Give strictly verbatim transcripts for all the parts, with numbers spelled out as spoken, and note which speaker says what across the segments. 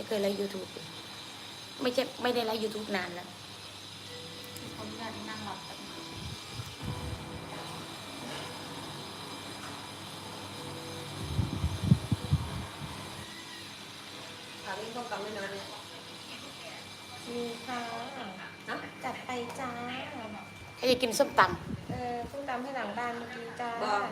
Speaker 1: เคยไลฟ์ยูทูบไม่ใช่ไม่ได้ไลฟ์ยูทูบนานแล้ว
Speaker 2: คนที่นั่งหลับกัน
Speaker 3: ถามเรื่องต้มตำไม่นานเนี่ย
Speaker 4: มีค่ะจัดไปจ้า
Speaker 1: ใครจะกินส้มต
Speaker 4: เออส้มตำให้หลังบ้านเมื่อกี้จ้า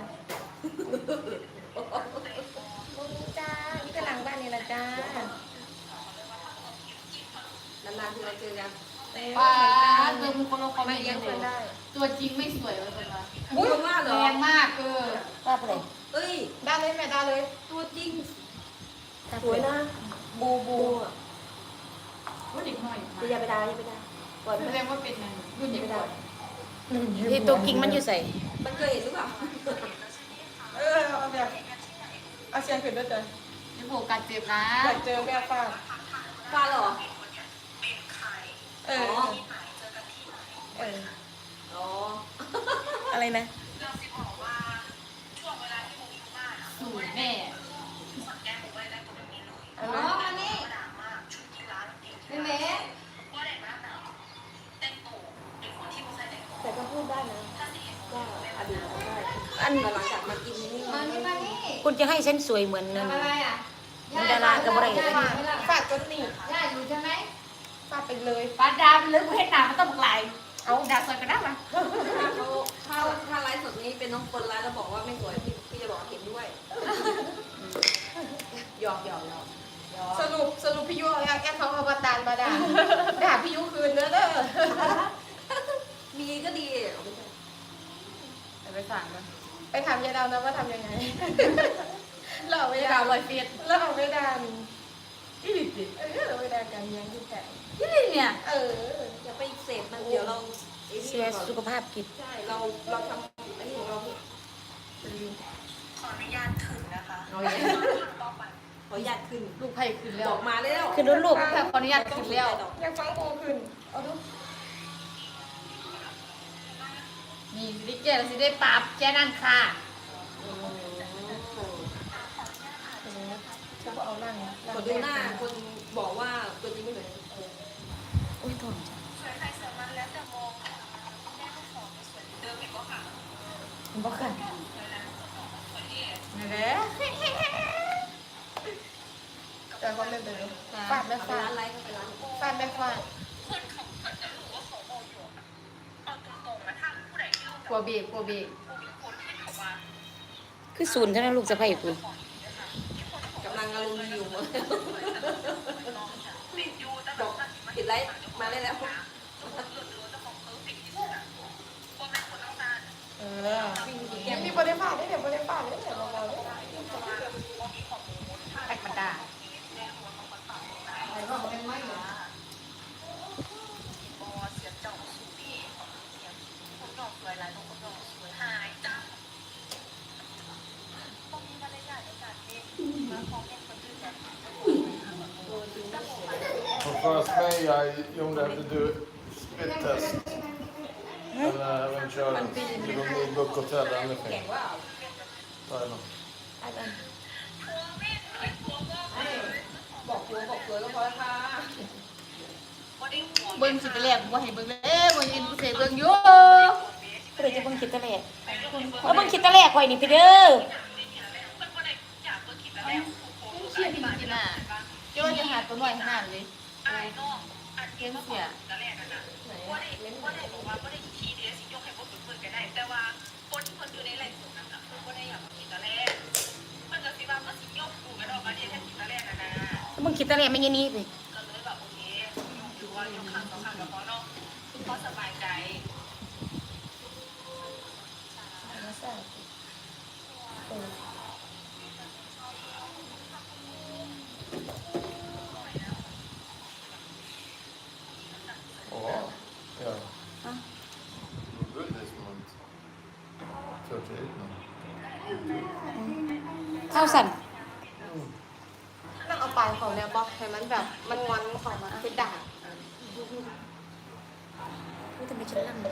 Speaker 4: เมื่อกี้จ้านี่ก็หลังบ้านนี่แหละจ้านานๆที่เราเจอกัน
Speaker 2: ป้าเจอมีคนลงคอมเมนต์เยอะเลยตัวจริงไม่สวยเลยคนละ
Speaker 3: อุ้ยมากเหรอ
Speaker 2: แรงมากเออ
Speaker 1: ว่าไปเลย
Speaker 3: เอ้ย
Speaker 4: ได้เลยแม่ได้เลย
Speaker 3: ตัวจริงสวยนะ
Speaker 4: บูบู
Speaker 2: ว่าเด็กหน่อย
Speaker 3: อย่าไปด่าอย่าไปด่า
Speaker 2: ก่อนแสดงว่าเป็นรุ่นเด็กก่อน
Speaker 1: ที่ตัวกิ่งมันอยู่ใส่
Speaker 3: มันเคยเห็นหรือเปล่า
Speaker 4: เออเอาแบบเอาเชียงขึ้นด้วยจ้ะ
Speaker 2: จะโผล่การเจ็บนะ
Speaker 4: อยากเจอแม่ป้า
Speaker 3: ป้าเหรอ
Speaker 4: เออเออ
Speaker 3: อ๋อ
Speaker 1: อะไรนะ
Speaker 2: สูตรแม่อ๋อมานี่เป็นเมย์
Speaker 3: แต่ก็พูดได้นะว่าอดีตได้
Speaker 1: อัน
Speaker 3: หลังจากมากินนี่
Speaker 2: มานี่มานี่
Speaker 1: คุณจะให้ฉันสวยเหมือนนั่น
Speaker 2: อะไรอ่ะ
Speaker 1: ดารากับอะไร
Speaker 4: ฟาดจนหนี
Speaker 2: ย่าอยู่ใช่ไหม
Speaker 4: ฟาดไปเลย
Speaker 2: ปลาดามหรือเพชรหนามันต้องไหลเอาดาสวยก็ได้ไหม
Speaker 3: ถ้าเขาถ้าถ้าไลฟ์สดนี้เป็นน้องคนไลฟ์แล้วบอกว่าไม่สวยพี่พี่จะบอกเห็นด้วยหยอกหยอกหยอก
Speaker 4: สรุปสรุปพี่ยุแอบแอบเขาเอาบาตานมาด่าด่าพี่ยุคืนเด้อเด้อ
Speaker 3: มีก็ดี
Speaker 2: ไปสั่งมัน
Speaker 4: ไปถามยายดาวนะว่าทำยังไงเราไม่
Speaker 2: ดาวลอยเฟียส
Speaker 4: เราไม่ด่า
Speaker 2: ยี่ลิติ
Speaker 4: เออเราไม่ด่ากันยังที่แต่
Speaker 2: ยี่ลิเนี่ย
Speaker 4: เออ
Speaker 3: อย่าไปเสพมันเดี๋ยวเรา
Speaker 1: เสียสุขภาพกิจ
Speaker 3: ใช่เราเราทำอันนี้ของเรา
Speaker 5: ขออนุญาตขึ้นนะคะ
Speaker 3: ขออนุญาตขึ้น
Speaker 2: ลูกไผ่ขึ้นแล้ว
Speaker 3: ออกมาแล้ว
Speaker 1: ขึ้นรุ่นลูก
Speaker 2: ขออนุญาตขึ้นแล้ว
Speaker 4: อยากฟังโบขึ้นเอาดู
Speaker 2: นี่สิได้เจอสิได้ปราบแจ้นั่นค่ะ
Speaker 4: จะเอานั่ง
Speaker 3: คนดูหน้าคนบอกว่าตัวจริงไม่เหมือน
Speaker 1: โอ้ยทน
Speaker 5: สวยใครสวยมันแล้วแต่มองแม่ก็ขอไม่สวยเดิมอีกก็ค่ะ
Speaker 1: บ่ค่ะ
Speaker 2: นี่แหละ
Speaker 4: แต่ก็ไม่เป็นฟาดไม่ฟาด
Speaker 3: ร้านไรก็ไปร้าน
Speaker 4: ฟาดไม่ฟาด
Speaker 5: คนเขาเกิดจะรู้ว่าเขาโมอยู่เอาตรงๆนะถ้าผู้ใดที่รู้จัก
Speaker 2: กลัวเบรกกลัวเบรก
Speaker 5: คนที่เขาว่า
Speaker 1: คือศูนย์เท่านั้นลูกสะใภ้คุณ
Speaker 3: กำลังอารมณ์อยู่หมด
Speaker 5: ติดอยู่แต่แบ
Speaker 3: บ
Speaker 5: บอก
Speaker 3: ติดไลฟ์มาได้แล้ว
Speaker 4: เออยังมีบริษัทได้เดี๋ยวบริษัทได้เดี๋ยวเราเราได้
Speaker 2: แตกมันด่าอะไรก็ไม่ไม่เหรอ
Speaker 5: เสียเจ้าสูดีเสียคนดอกสวยหลายคนดอกสวยหายจ้าต้องมีมารยาทในการเล่นมาฟ้องเล่นคนอื่นแบบ
Speaker 6: For first May I Jon have to do spit test. And uh, when Charlie, you don't need book hotel or anything. Thailand.
Speaker 3: บอกตัวบอกสวยก็พอค่ะ
Speaker 2: เบิ้งสิไปแลกบ่ให้เบิ้งเลยบ่ยินกูเสเบิ้งอยู่
Speaker 1: ก็เลยจะเบิ่งคิดตะแลกแล้วเบิ่งคิดตะแลกข่อยนี่พี่เด้อ
Speaker 2: เชี่ยพี่กินน่ะโจ้จะหาตัวหน่อยขนาดเลย
Speaker 5: ไอ้น้องอันเกมเสียแต่แรกกันนะว่าได้ว่าได้บอกว่าว่าได้ขี้เดียสิยกให้พวกฝึกฝึกกันได้แต่ว่าคนที่คนอยู่ในไลฟ์สดนั้นคือว่าได้อยากมากินแต่แรกมันก็สิว่าก็สิยกกูกันออกมาเดียวแค่กินแต่แรกนะนะ
Speaker 1: แล้วเบิ่งคิดตะแลกไม่ยันนี้สิ
Speaker 5: ก็เลยแบบโอเคยกถือว่ายกครั้งสองครั้งกับพ่อเนาะพ่อสบายใจ
Speaker 6: Oh, yeah. Huh? You're good this month. thirty-eight now.
Speaker 1: เข้าสั่น
Speaker 4: นั่งเอาปลายของเนี่ยบอกให้มันแบบมันงอนของมันคือด่า
Speaker 1: นี่ทำไมฉันลั่นเลย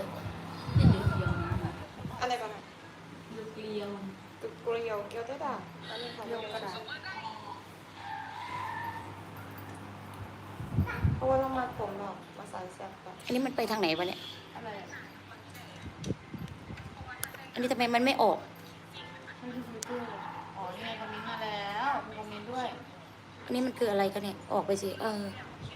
Speaker 4: อะไรกันอ่ะ
Speaker 2: ลูกเกลียว
Speaker 4: ตุกเกลียวเกลียวได้ด่าอันนี้ของโยกกระดาษราะว่าเรามาผมหรอกมาใส่แซ่บกัน
Speaker 1: อันนี้มันไปทางไหนวะเนี่ย
Speaker 2: อะไรอะ
Speaker 1: อันนี้ทำไมมันไม่ออก
Speaker 2: ไม่ดูฟิลเตอร์อ๋อนี่ไงคอมเมนต์มาแล้วมีคอมเมนต์ด้วย
Speaker 1: อันนี้มันคืออะไรกันเนี่ย ออกไปสิ เออ
Speaker 2: ใ